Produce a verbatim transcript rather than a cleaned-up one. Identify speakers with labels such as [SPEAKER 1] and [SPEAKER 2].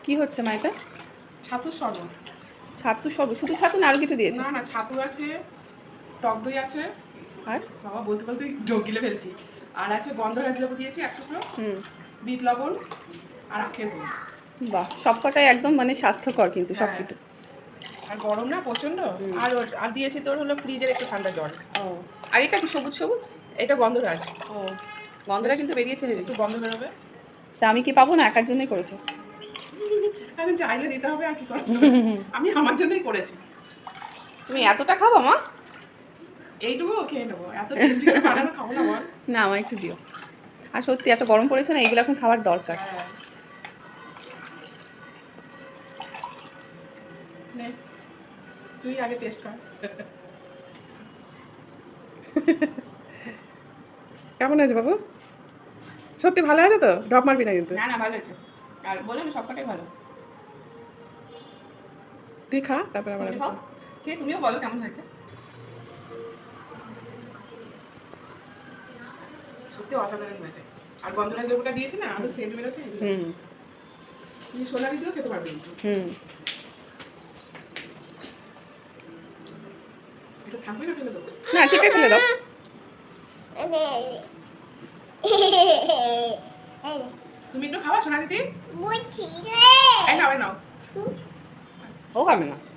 [SPEAKER 1] কি হচ্ছে মা এটা?
[SPEAKER 2] ছাতুর শরবত।
[SPEAKER 1] ছাতু শরবত? শুধু ছাতু না আরো কিছু দিয়েছে?
[SPEAKER 2] না না, ছাতু আছে, টক দই আছে,
[SPEAKER 1] আর
[SPEAKER 2] বাবা বলতে বলতে ঢোক গিলে ফেলছি। আর আছে গন্ধরাজ লেবু দিয়েছি এক টুকরো,
[SPEAKER 1] হুম,
[SPEAKER 2] বিট লবণ আর আখের গুড়।
[SPEAKER 1] বাহ, সবকটাই একদম মানে স্বাস্থ্যকর কিন্তু সব
[SPEAKER 2] হ্যাঁ,
[SPEAKER 1] কিছু।
[SPEAKER 2] আর গরম না প্রচন্ড।
[SPEAKER 1] হুম।
[SPEAKER 2] আর ওর- আর দিয়েছি তোর হলো ফ্রিজের একটু ঠান্ডা জল।
[SPEAKER 1] ও, আর এটা কি সবুজ সবুজ?
[SPEAKER 2] এটা গন্ধরাজ,
[SPEAKER 1] ও, গন্ধটা কিন্তু বেরিয়েছে হেবি।
[SPEAKER 2] একটু গন্ধ বেরোবে।
[SPEAKER 1] তা আমি কি পাবো না? একার জন্যই করেছো?
[SPEAKER 2] আমি চাইলে দিতে হবে, আর কি করতে হবে। আমি আমার জন্যই করেছি।
[SPEAKER 1] তুমি এতটা খাবো মা?
[SPEAKER 2] এইটুকু খেয়ে নেবো, এত টেস্টি করে বানানো খাবো না বল।
[SPEAKER 1] না, আমার একটু দিও। আর সত্যি এত গরম পড়েছে না, এগুলো এখন খাওয়ার দরকার।
[SPEAKER 2] হ্যাঁ। নে, তুই আগে টেস্ট কর। কেমন আছে বাবু? সত্যি ভালো আছে তো? ড্রপ মারবি না কিন্তু।
[SPEAKER 1] না না, ভালো হয়েছে। আর বললাম সবকটাই ভালো।
[SPEAKER 2] তুই খা, তারপর আবার
[SPEAKER 1] তুমি
[SPEAKER 2] আমি
[SPEAKER 1] খাও,
[SPEAKER 2] খাবো।
[SPEAKER 1] খেয়ে তুমিও বলো কেমন হয়েছে।
[SPEAKER 2] সত্যি অসাধারণ হয়েছে। আর গন্ধরাজ লেবুটা দিয়েছি না, আরো সেন্ট বেরোচ্ছে।
[SPEAKER 1] হুম
[SPEAKER 2] তুই সোনালি দিয়েও খেতে পারবি কিন্তু।
[SPEAKER 1] হুম।
[SPEAKER 2] এটা থাকবে না, ফেলে দেবো।
[SPEAKER 1] না, চিপে ফেলে দাও।
[SPEAKER 2] তুমি একটু খাওয়া সোনা দিদি।
[SPEAKER 3] বুঝছি
[SPEAKER 2] এই নাও, এই নাও।
[SPEAKER 1] ও খাবে না।